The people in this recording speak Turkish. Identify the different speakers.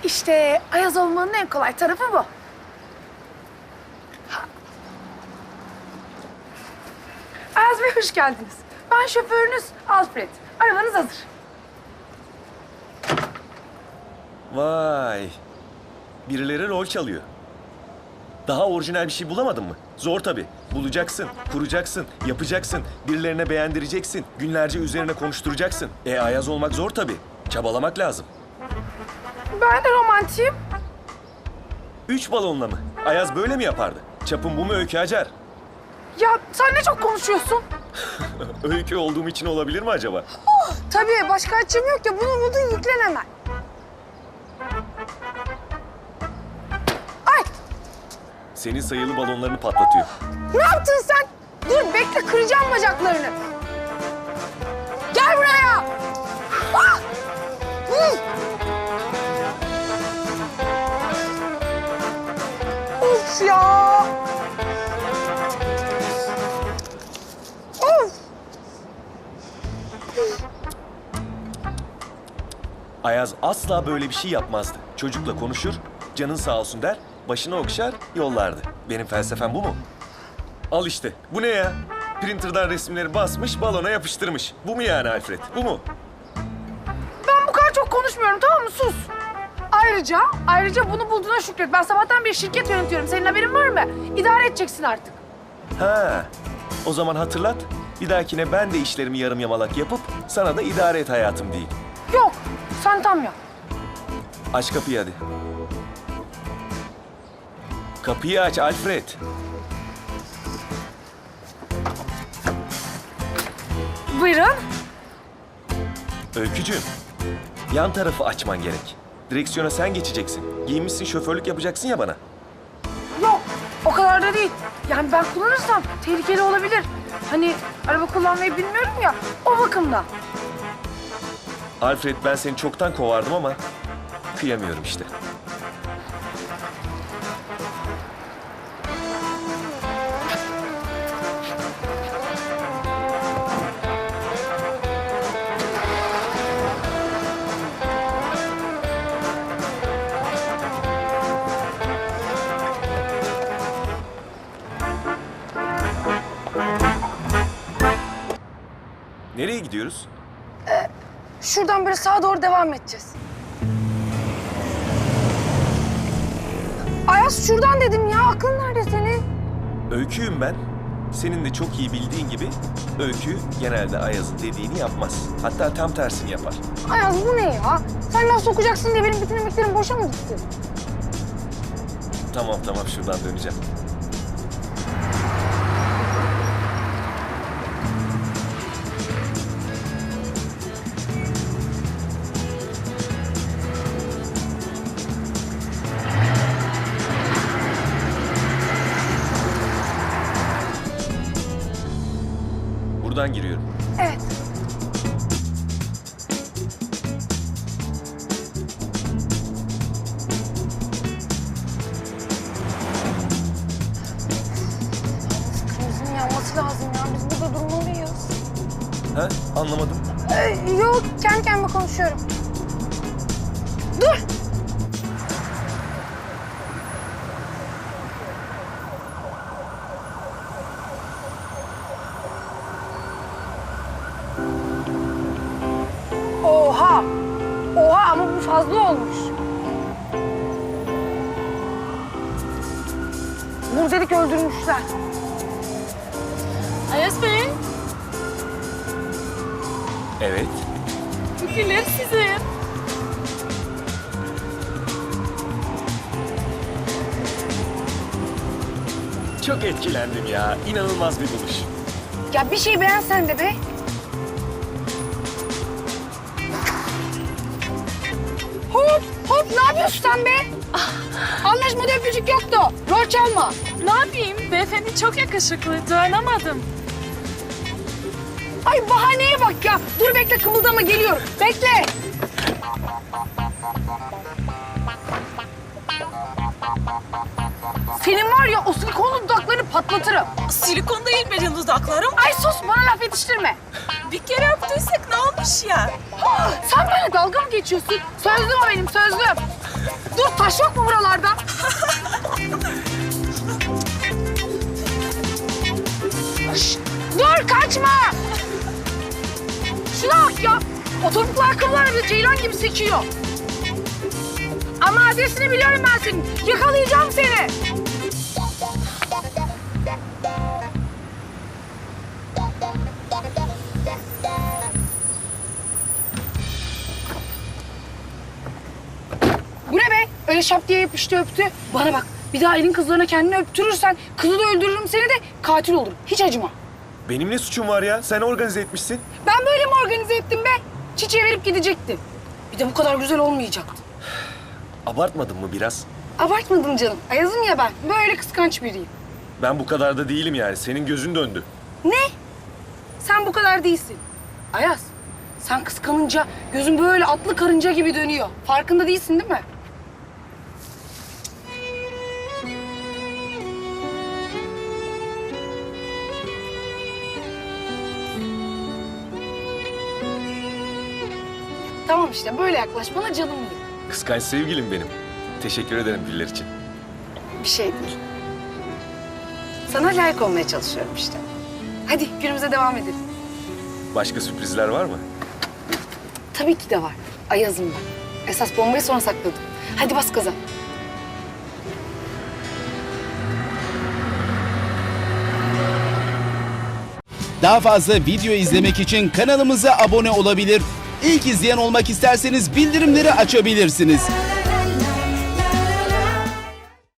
Speaker 1: İşte Ayaz olmanın en kolay tarafı bu. Ayaz Bey hoş geldiniz. Ben şoförünüz Alfred. Arabanız hazır.
Speaker 2: Vay. Birileri rol çalıyor. Daha orijinal bir şey bulamadın mı? Zor tabii. Bulacaksın, kuracaksın, yapacaksın, birilerine beğendireceksin, günlerce üzerine konuşturacaksın. Ayaz olmak zor tabii. Çabalamak lazım.
Speaker 1: Ben de romantiyim.
Speaker 2: 3 balonla mı? Ayaz böyle mi yapardı? Çapın bu mu Öykü Acar?
Speaker 1: Ya sen ne çok konuşuyorsun.
Speaker 2: Öykü olduğum için olabilir mi acaba?
Speaker 1: Tabii başka açım yok ya. Bunu buldun yüklen hemen. Ay
Speaker 2: Senin sayılı balonlarını patlatıyor.
Speaker 1: ne yaptın sen? Dur bekle kıracağım bacaklarını. Gel buraya. Ah! Hı! Of ya. Of.
Speaker 2: Ayaz asla böyle bir şey yapmazdı. Çocukla konuşur, canın sağ olsun der, başını okşar, yollardı. Benim felsefem bu mu? Al işte, bu ne ya? Printer'dan resimleri basmış, balona yapıştırmış. Bu mu yani Alfred, bu mu?
Speaker 1: Ben bu kadar çok konuşmuyorum tamam mı? Sus. Ayrıca bunu bulduğuna şükret. Ben sabahtan beri şirket yönetiyorum. Senin haberin var mı? İdare edeceksin artık.
Speaker 2: Ha, o zaman hatırlat. Bir dahakine ben de işlerimi yarım yamalak yapıp sana da idare et hayatım diyeyim.
Speaker 1: Yok, sen tam yap.
Speaker 2: Aç kapıyı hadi. Kapıyı aç Alfred.
Speaker 1: Buyurun.
Speaker 2: Öykücüğüm, yan tarafı açman gerek. Direksiyona sen geçeceksin. Giyinmişsin, şoförlük yapacaksın ya bana.
Speaker 1: Yok, o kadar da değil. Yani ben kullanırsam tehlikeli olabilir. Hani araba kullanmayı bilmiyorum ya, o bakımdan.
Speaker 2: Alfred, ben seni çoktan kovardım ama kıyamıyorum işte. Nereye gidiyoruz?
Speaker 1: Şuradan böyle sağa doğru devam edeceğiz. Ayaz şuradan dedim ya, aklın nerede senin?
Speaker 2: Öyküyüm ben. Senin de çok iyi bildiğin gibi Öykü genelde Ayaz'ın dediğini yapmaz. Hatta tam tersini yapar.
Speaker 1: Ayaz bu ne ya? Sen laf sokacaksın diye benim bütün emeklerim boşa mı gitti?
Speaker 2: Tamam şuradan döneceğim. Buradan giriyorum.
Speaker 1: Evet. Kırmızının yanması lazım ya. Biz burada durmalıyız.
Speaker 2: Ha? Anlamadım.
Speaker 1: Yok, kendi kendime konuşuyorum. Dur! Oha! Oha ama bu fazla olmuş. Vur dedik öldürmüşler.
Speaker 3: Ayaz Bey,
Speaker 2: Evet.
Speaker 3: fikirler sizin.
Speaker 2: Çok etkilendim ya. İnanılmaz bir buluş.
Speaker 1: Ya bir şey beğen sen de be. Hop ne yapıyorsun sen be? Anlaşmada öpücük yoktu. Rol çalma.
Speaker 3: Ne yapayım? Beyefendi çok yakışıklı, dayanamadım.
Speaker 1: Ay bahaneye bak ya. Dur bekle kımıldama geliyorum. Bekle. Senin var ya o silikonlu dudaklarını patlatırım.
Speaker 3: Silikon değil benim dudaklarım.
Speaker 1: Ay sus bana laf yetiştirme.
Speaker 3: Bir kere öptüysek ne olmuş ya?
Speaker 1: Sen benimle dalga mı geçiyorsun? Sözlüm o benim sözlüm. Dur, taş yok mu buralarda? Şşt, dur, kaçma! Şuna bak ya. O topuklu ayakkabılar bile ceylan gibi sekiyor. Ama adresini biliyorum ben senin. Yakalayacağım seni. Bu ne be? Öyle şap diye yapıştı öptü. Bana bak, bir daha elin kızlarına kendini öptürürsen kızı da öldürürüm seni de katil olurum. Hiç acıma.
Speaker 2: Benim ne suçum var ya? Sen organize etmişsin.
Speaker 1: Ben böyle mi organize ettim be? Çiçeğe verip gidecektim. Bir de bu kadar güzel olmayacaktı.
Speaker 2: Abartmadın mı biraz?
Speaker 1: Abartmadım canım. Ayazım ya ben. Böyle kıskanç biriyim.
Speaker 2: Ben bu kadar da değilim yani. Senin gözün döndü.
Speaker 1: Ne? Sen bu kadar değilsin. Ayaz, sen kıskanınca gözün böyle atlı karınca gibi dönüyor. Farkında değilsin değil mi? Tamam işte böyle yaklaş bana canım benim.
Speaker 2: Kıskanç sevgilim benim. Teşekkür ederim güller için.
Speaker 1: Bir şey değil. Sana layık olmaya çalışıyorum işte. Hadi günümüze devam edelim.
Speaker 2: Başka sürprizler var mı?
Speaker 1: Tabii ki de var. Ayaz'ım ben. Esas bombayı sonra sakladım. Hadi bas gaza.
Speaker 4: Daha fazla video izlemek için kanalımıza abone olabilir. İlk izleyen olmak isterseniz bildirimleri açabilirsiniz.